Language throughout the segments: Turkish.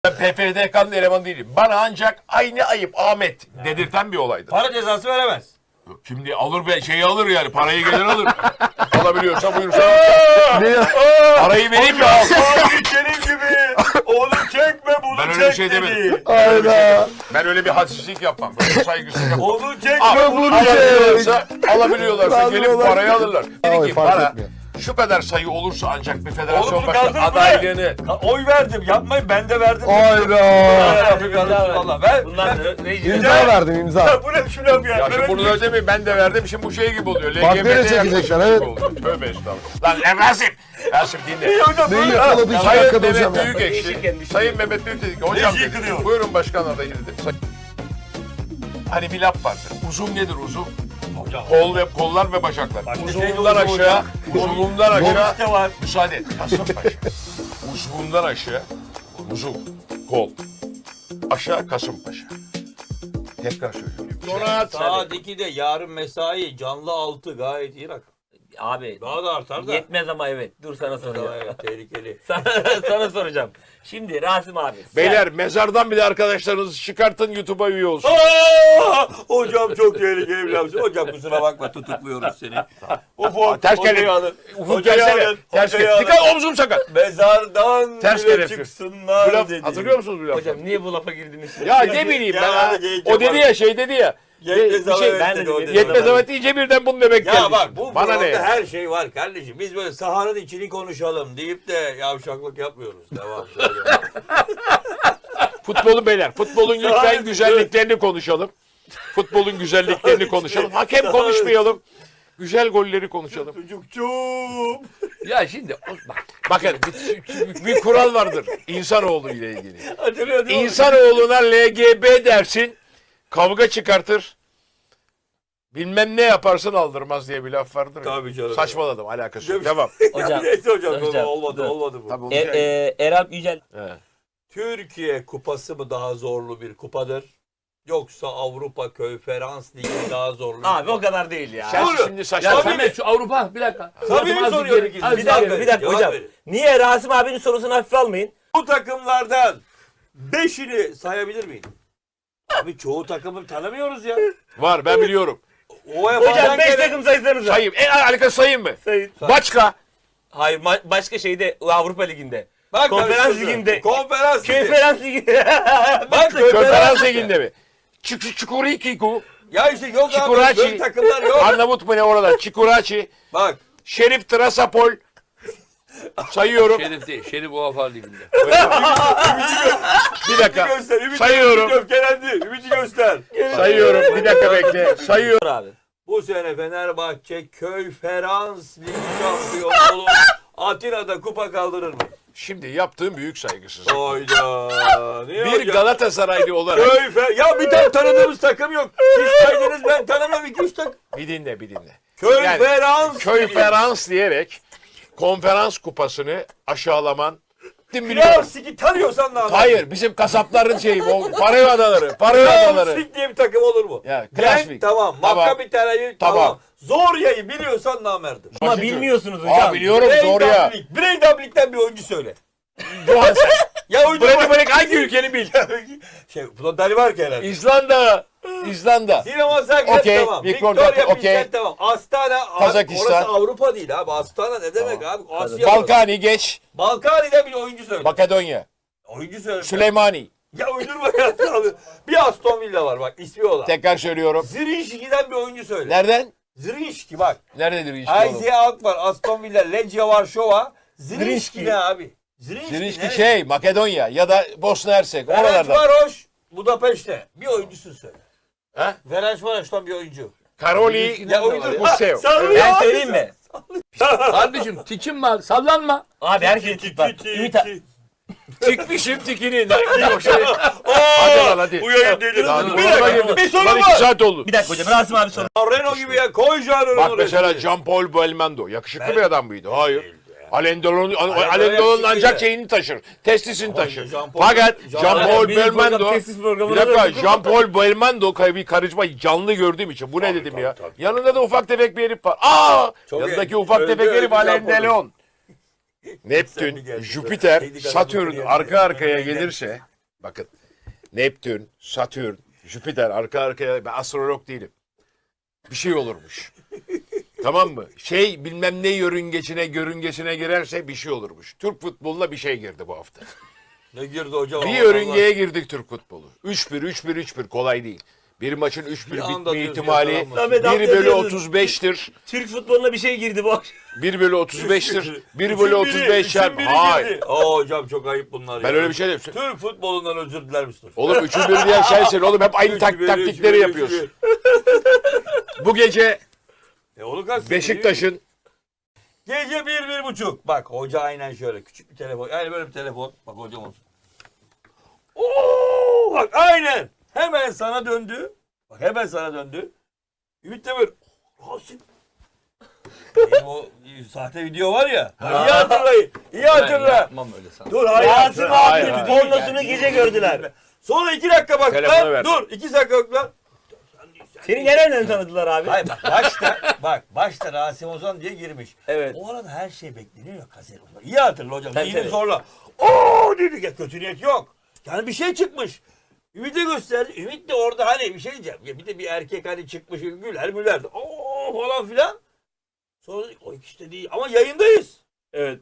Ben PFDK'nın elemanı değilim. Bana ancak aynı ayıp Ahmet dedirten bir olaydı. Para cezası veremez. Şimdi alır be şeyi alır yani parayı gelir alır. Alabiliyorsa buyursa. Parayı vereyim mi al. Senin gibi. Onu çekme bunu Ben öyle çek bir şey demedim. dedi. Hayda. Ben öyle bir hadsizlik yapmam. Böyle saygısızlık yapmam. Onu çekme Ama bunu çek. alabiliyorlarsa gelip Alıyorlar. parayı alırlar. Dedi Ay, ki fark bana etmiyor. şu kadar sayı olursa ancak bir federasyon Oğlum bunu başkanı kaldırın adaylığını. Oy verdim. Yapmayın ben de verdim. Hayda. Valla ver. Bunlar İmza verdim imza. Bu ne şunu yap ya. Ya şimdi bunu ödemeyin ben de verdim şimdi bu şey gibi oluyor. Partileri LGBT çekecekler, yaklaşımı evet. gibi oluyor. Tövbe estağfurullah. Lan Rasim. Rasim dinle. Neyi yakaladı iki Sayın dakikada hocam Mehmet ya. Büyükekşi. Sayın Mehmet Büyük dedi ki hocam Neyi dedi, yıkılıyor? buyurun başkan adayı dedi. Hani bir laf vardır. Uzun nedir uzun? Kollar ve bacaklar. Başka şey Uzunluğundan de uzun aşağı, hocam. uzunluğundan aşağı. Lobiste var. Müsaade et. Kasımpaşa. Uzunluğundan aşağı, uzun, kol. Aşağı Kasımpaşa. Tekrar söylüyorum. Donat. Saat 2'de yarın mesai canlı 6 gayet iyi rakam. Abi Daha da artar da. yetmez ama evet. Dur sana soracağım. Evet, tehlikeli. sana soracağım. Şimdi Rasim abi. Beyler mezardan bile arkadaşlarınızı çıkartın YouTube'a üye olsun. Hocam çok tehlikeli bir laf. Hocam kusura bakma tutukluyoruz seni. Ters kelepçe. Ufuk gelsene. Ters kelepçe. Dikkat omzum sakat. Mezardan Ters bile kelepçe. çıksınlar Bu laf, dedi. hatırlıyor musunuz bu lafı? Hocam niye bu lafa girdiniz? Ya ne bileyim ben. Ya, Ha. genç O dedi yapar. ya şey dedi ya. Yetmez bir şey, evet ben dedi, de o dedim. dedi. Yetmez evet deyince birden bunu demek geldi. Ya bak bu bana ne? programda ya? her şey var kardeşim. Biz böyle sahanın içini konuşalım deyip de yavşaklık yapmıyoruz. Devam söyle. Futbolun beyler. Futbolun lütfen güzelliklerini konuşalım. Futbolun güzelliklerini konuşalım. Hakem konuşmayalım. Güzel golleri konuşalım. Çocukçum. Ya şimdi bakın bir kural vardır insanoğlu ile ilgili. Hatırlıyor değil mi? İnsanoğluna LGB dersin, kavga çıkartır. Bilmem ne yaparsın aldırmaz diye bir laf vardır. ya. Tabii canım. Saçmaladım alakası yok. Devam. Hocam. Neyse hocam, Hocam, olmadı dur. olmadı bu. Tabii Eralp Yücel. He. Türkiye kupası mı daha zorlu bir kupadır? Yoksa Avrupa Konferans Ligi daha zorlu bir Abi kupa? o kadar değil ya. Sen Doğru. şimdi Ya saçma. Samet şu Avrupa bir dakika. Tabii Azıcık soruyorum. geri- azıcık Bir dakika, geri- Bir dakika cevap hocam. verin. Niye Rasim abinin sorusunu hafife almayın? Bu takımlardan 5'ini sayabilir miyim? Abi çoğu takımı tanımıyoruz ya. Var ben biliyorum. Hocam 5 takım sayısanız var. Sayayım. En harika sayayım mı? Sayın. Başka. Hayır başka şeyde Avrupa Ligi'nde. Bak, Konferans karıştırdın. Ligi'nde. Konferans Ligi. Konferans Ligi'nde. Bak Konferans liginde mi? Çukurikiku. Ya işte yok abi Çikuraçi. böyle takımlar yok. Arnavut mu ne orada? Çikuraçi. Bak. Şerif Trasapol. Sayıyorum. Şerif değil, Şerif UEFA Ligi'nde. Bir dakika. Göster. Ümidi Sayıyorum. öfkelendi. Ümidi göster. Sayıyorum. Bir dakika bekle. Sayıyorum. abi. Bu sene Fenerbahçe Konferans Ligi şampiyonu olur. Atina'da kupa kaldırır mı? Şimdi yaptığım büyük saygısızlık. Hayda. Niye Bir hocam? Galatasaraylı olarak Ya bir tane tanıdığımız takım yok. Siz saydınız ben tanımıyorum 2-3 takım. bir dinle. Konferans. Konferans diyerek konferans kupasını aşağılaman. Kral Biliyorum. Sigi tanıyorsan ne yapar? Hayır bizim kasapların şeyi o Paraya adaları. Paraya Kral adaları. Sigi diye bir takım olur mu? Ya, Genk Klasvik. tamam. Tamam. Maccabi Tel Aviv Tamam. tamam. Zorya'yı biliyorsan namerdim. Ama Başka bilmiyorsunuz hocam. Aa biliyorum zor ya. Breydablik'ten bir oyuncu söyle. Johansen. Ya oyuncu Bırak hangi ülkeni bil. Şey, Danimarka herhalde. İzlanda. Dinamo Zagreb Okey, tamam. Victoria, Victoria okey. Pilsen tamam. Astana. Kazakistan. Orası Avrupa değil abi. Astana ne demek abi? Asya. Balkani geç. Balkani'den bir oyuncu söyle. Makedonya. Oyuncu söyle. Süleymani. Ya uydurma ya abi. Bir Aston Villa var bak ismi olan. Tekrar söylüyorum. Zrinjski'den bir oyuncu söyle. Nereden? Zrinjski bak. Nerededir işte oğlum? Isaiah Alk var. Aston Villa, Legia Varşova. Zrinjski Zrinjski. ne abi? Zrinjski Zrinjski ne? şey Makedonya ya da Bosna Hersek Ferenc oralardan. Varoş Budapeşte. Bir oyuncusu söyle. Ha? Ferenc Varoş'tan bir oyuncu. Karoli Ya oyuncu. Musev. Ben söyleyeyim mi? Kardeşim tikim var, sallanma. Abi herkes tip var. Ümit abi. Tikmişim tikini. Hadi lan hadi. Bu yayın deli. Daha dur, Bir dur, dakika. dur. Bir soru Lan 2 var. saat oldu. Bir dakika hocam Rasim abi soru. Renault gibi ya. Koy Jean Bak mesela Jean-Paul Belmondo. Yakışıklı bir adam mıydı? Hayır. Alain Delon'un yakışıklıydı. ancak şeyini taşır. Testisini taşır. Jean-Paul- Fakat Jean- Jean-Paul Benim program, Belmondo tesis programına bir dakika döndük. Jean-Paul Belmondo bir karizma canlı gördüğüm için bu ne dedim ya. tabii. Yanında da ufak tefek bir herif var. Aa! Çok Yanındaki iyi. ufak Öldü, tefek herif öldü Alain Jean-Paul'u. Delon. Sen bir Neptün, gel. Jüpiter, Kedi Satürn kanadını arka yedim. arkaya gelirse Bakın. Neptün, Satürn, Jüpiter arka arkaya, ben astrolog değilim. Bir şey olurmuş. Tamam mı? Şey bilmem ne yörüngesine girerse bir şey olurmuş. Türk futboluna bir şey girdi bu hafta. Ne girdi hocam? Bir Allah yörüngeye girdik Türk futbolu. 3-1 kolay değil. Bir maçın 3-1 Bir anda bitme diyorsun ihtimali yakalanması. 1 Samet bölü Akdeniz. 35'tir. Türk futboluna bir şey girdi bu akşam. 1 bölü 35'tir. 1 bölü 35 çarpı. Hayır. Hocam çok ayıp bunlar. Ben ya. öyle bir şey demiyorum. Türk futbolundan özür diler misiniz? Oğlum 3'ün 1 diyen sensin oğlum. Hep aynı 3-1, taktikleri 3-1, yapıyorsun. Bu gece Onu kastettim. Beşiktaş'ın Gece 1-1.30. Bak hoca aynen şöyle. Küçük bir telefon. Yani böyle bir telefon. Bak hocam olsun. Oo, bak aynen. Hemen sana döndü. Bak hemen sana döndü. Ümit Demir. Rasim. Benim o sahte video var ya. İyi hatırlayın. İyi hatırla. Yapmam öyle sana. Dur hayır. Rasim hayır, abi hayır. pornosunu gece gördüler. Sonra 2 dakika bak Telefonu lan. ver. Dur 2 dakika bak lan. Seni nereden tanıdılar abi? Hayır bak başta Rasim Ozan diye girmiş. Evet. O arada her şey bekleniyor ya kaser. İyi hatırla hocam. Tabii, Yine tabii. zorla. Oo dedik ya kötü niyet yok. Yani bir şey çıkmış. Ümit'e gösterdi. Ümit de orada hani bir şey diyeceğim. Ya bir de bir erkek hani çıkmış güler. Oo falan filan. Sonra dedik, o ikisi de değil. Ama yayındayız. Evet.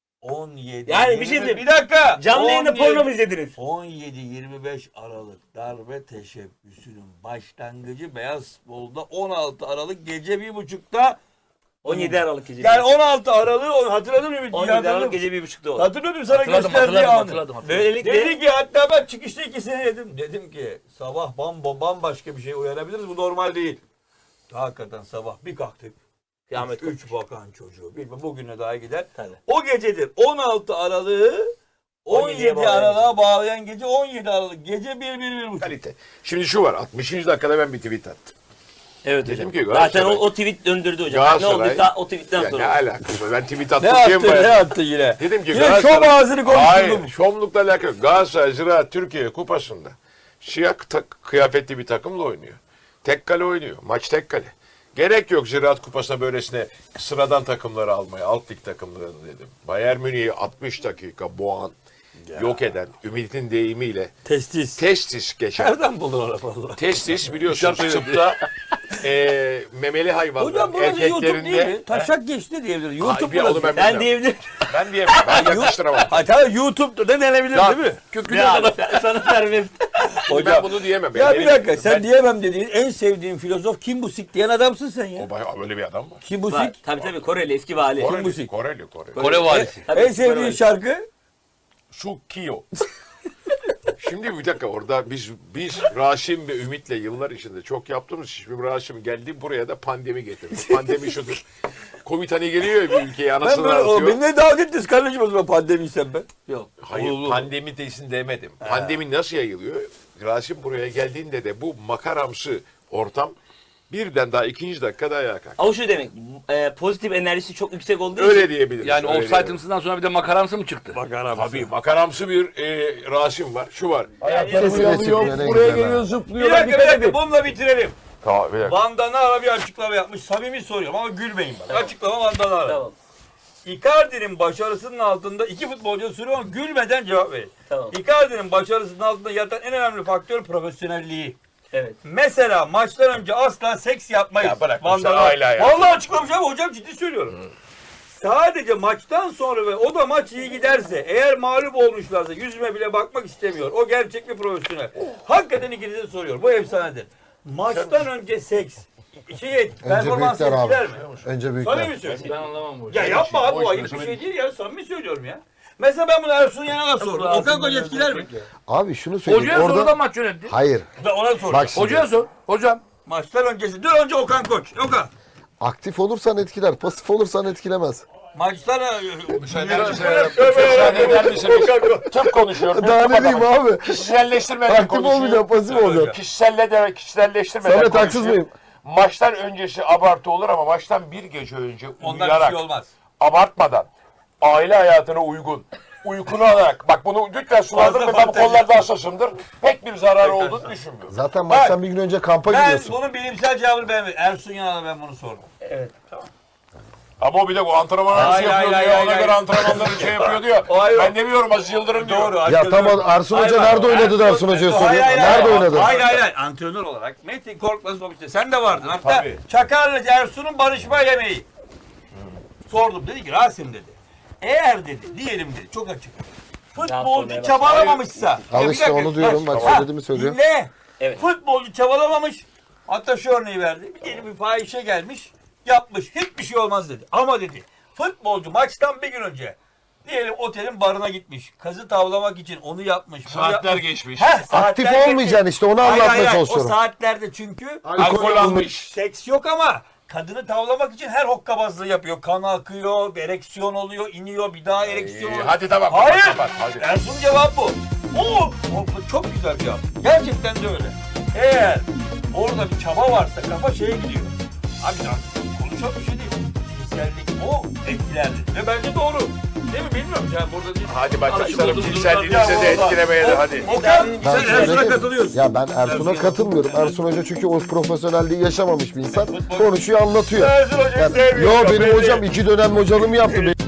17. Yani bir şey 20 diyeyim. Bir dakika. Canlı yayında 17 porno mu izlediniz? 17-25 Aralık darbe teşebbüsünün başlangıcı Beyaz Futbol'da 16 Aralık gece 1.30'da 17 Aralık gece. yani 16 Aralık hatırladın mı Ümit? 17 Aralık gece 1.30'da oldu. Hatırladım sana Hatırladım, gösterdiği hatırladım. anı. Böylelikle Dedi ki hatta ben çıkışta ikisini dedim. Dedim ki sabah bambaşka bir şey uyanabiliriz. Bu normal değil. Hakikaten sabah bir kalktık. kıyamet 3 bakan çocuğu. Bilmem bugüne daha gider. Tabii. O gecedir 16 Aralık'ı 17 bağlayan Aralık'a bağlayan gece 17 Aralık. Gece 1-1-1.5. kalite. Şimdi şu var. 60. dakikada ben bir tweet attım. Evet Dedim hocam. ki Zaten Galatasaray- o tweet döndürdü hocam. Ne Galatasaray- olduysa o tweetten Ya ne sonra. alakası var? Ben tweet Ne attım diye mi attı bayağı- attı yine? Dedim ki Yine Galatasaray- şov ağzını konuşturdum. Hayır, şovlukla alakalı yok. Galatasaray Ziraat Türkiye Kupası'nda siyah kıyafetli bir takımla oynuyor. Tek kale oynuyor. Maç tek kale. Gerek yok Ziraat Kupası'na böylesine sıradan takımları almaya, alt lig takımlarını dedim. Bayern Münih'i 60 dakika boğan, yok eden, Ümit'in deyimiyle testis geçen. Nereden buldun onu valla? Testis biliyorsun tıpta memeli hayvanlar Hocam burası YouTube değil erkeklerinde. mi? Taşak geçti diyebilir. Ay, YouTube bir oğlum burası. ben Sen bilmem. diyebilir. Ben diyemem. Ben yakıştıramam. Ha tamam YouTube'da da denebilir Ya, değil mi? köküne Ya kadar. sana serbest. Ben bunu diyemem. Ya Benim- bir dakika sen ben- diyemem dediğin en sevdiğin filozof Kim Busik diyen adamsın sen ya. O bayağı böyle bir adam var. Kim Var. Busik? Tabii Koreli eski vali. Koreli, Musik. Koreli. Kore valisi. Tabii, En sevdiğin Koreli. şarkı? Sukiyo. Şimdi bir dakika orada biz Rasim ve Ümit'le yıllar içinde çok yaptığımız iş. Şimdi Rasim geldi buraya da pandemi getirdi. Pandemi şudur. Covid hani geliyor ya bir ülkeye Ben anasını böyle ağlatıyor. benimle dalga ettiniz kardeşim o zaman pandemiysen ben. Yok. Hayır pandemi desin demedim. Pandemi nasıl yayılıyor? Rasim buraya geldiğinde de bu makaramsı ortam birden daha ikinci dakikada ayağa kalktı. Ama şu demek pozitif enerjisi çok yüksek olduğu Öyle için. diyebiliriz. Yani öyle offside'ımsından sonra bir de makaramsı mı çıktı? Tabii makaramsı bir Rasim var. Şu var. Sesi de çıkıyor, ne buraya güzel geliyor ha. zıplıyor. Bir dakika bununla bitirelim. Tamam bir dakika. Van Danara bir açıklama yapmış. Samimi soruyorum ama gülmeyin bak. Açıklama Van Danara. Tamam. Icardi'nin başarısının altında iki futbolcu soruyor ama gülmeden cevap verin. Tamam. Icardi'nin başarısının altında yatan en önemli faktör profesyonelliği. Evet. Mesela maçtan önce asla seks yapmayız. Ya bırak, Van işte Danara. aile hayatı. Vallahi açıklamış ama hocam ciddi söylüyorum. Sadece maçtan sonra ve o da maç iyi giderse eğer mağlup olmuşlarsa yüzüme bile bakmak istemiyor. O gerçek bir profesyonel. Hakikaten ikinize soruyor. Bu efsanedir. Maçtan önce seks performans büyükler abi. etkiler mi? Önce Samimi büyükler. söylüyorum. Ben anlamam bu. Ya yapma abi boş bu ayıp ver, bir şey değil ya. Samimi söylüyorum ya. Mesela ben bunu Ersun Yanal'a sordum. Okan Koç etkiler mi? Abi şunu söyleyeyim. Hocaya sor da Orada... maç yönetti. Hayır. Ben ona sordum. Bak şimdi. Hocaya sor. Hocam. Maçtan öncesi. Dur önce Okan Koç. Okan. Aktif olursan etkiler. Pasif olursan etkilemez. Maçtan Müsaade eder misiniz? Tıp konuşuyorum. Daha ne diyeyim abi? Kişiselleştirmeden Aktif konuşuyor. olmayacağım, pasif olacağım. Kişiselleştirmeden Samet haksız konuşuyor. mıyım? Maçtan öncesi abartı olur ama maçtan bir gece önce ondan bir uyuyarak, şey olmaz. abartmadan, aile hayatına uygun, uykunu alarak, bak bunu lütfen sulandırın ve ben bu fantezi. konularda hassasımdır. Pek bir zararı olduğunu düşünmüyorum. Zaten maçtan bir gün önce kampa Ben gidiyorsun. bunun bilimsel cevabını ben Ersun Yanal'a ben bunu sordum. Evet. Tamam. Ama o bir de o antrenmanı nasıl Hayır, yapıyor hayır, diyor. hayır, Ona hayır. göre antrenmanları şey yapıyor diyor. Hayır. Ben demiyorum Aziz Yıldırım diyor. Doğru. Ya tamam, Ersun Hoca nerede oynadı da Ersun Hoca'ya soruyor. Nerede oynadı? Hayır. Antrenör olarak Metin Korkmaz sonuçta. Sen de vardın. Hatta Tabii. Çakar'la Ersun'un barışma yemeği. Sordum. Dedi ki Rasim dedi. Eğer dedi diyelim dedi. Çok açık. Futbolcu çabalamamışsa. Al Ya bir işte dakika, onu diyorum. Bak Ha, söylediğimi söylüyor. Dinle. Evet. Futbolcu çabalamamış. Hatta şu örneği verdi. Bir diyelim bir fahişe gelmiş. Yapmış. Hiçbir şey olmaz dedi. Ama dedi. Futbolcu maçtan bir gün önce diyelim otelin barına gitmiş. Kazı tavlamak için onu yapmış. bunu Saatler yapmış. geçmiş. Saatler Aktif geçmiş. olmayacaksın işte, onu Hayır, anlatmaya hayır. çalışıyorum. O saatlerde çünkü Alkol almış. seks yok ama kadını tavlamak için her hokkabazlığı yapıyor. Kan akıyor, ereksiyon oluyor, iniyor, bir daha ereksiyon oluyor. Hadi tamam. Hayır. Kapat, hadi. Ersun cevap bu. O çok güzel bir cevap. Gerçekten de öyle. Eğer orada bir çaba varsa kafa şeye gidiyor. Abi konuşan bir şey değil. Cinsellik o etkilerdi. Ve bence doğru. Değil mi bilmiyorum. Yani burada değil. Hadi başlayalım. Alışık olduğumuz Cinselliğinize de durumlar. etkilemeyelim hadi. Okan Ben sen Ersun'a söyledim. katılıyorsun. Ya ben Ersun'a katılmıyorum. Ersun Hoca çünkü o profesyonelliği yaşamamış bir insan. Konuşuyor, anlatıyor. Ersun Hoca'yı Yani, sevmiyorum. yo benim hocam 2 dönem hocalığımı yaptı.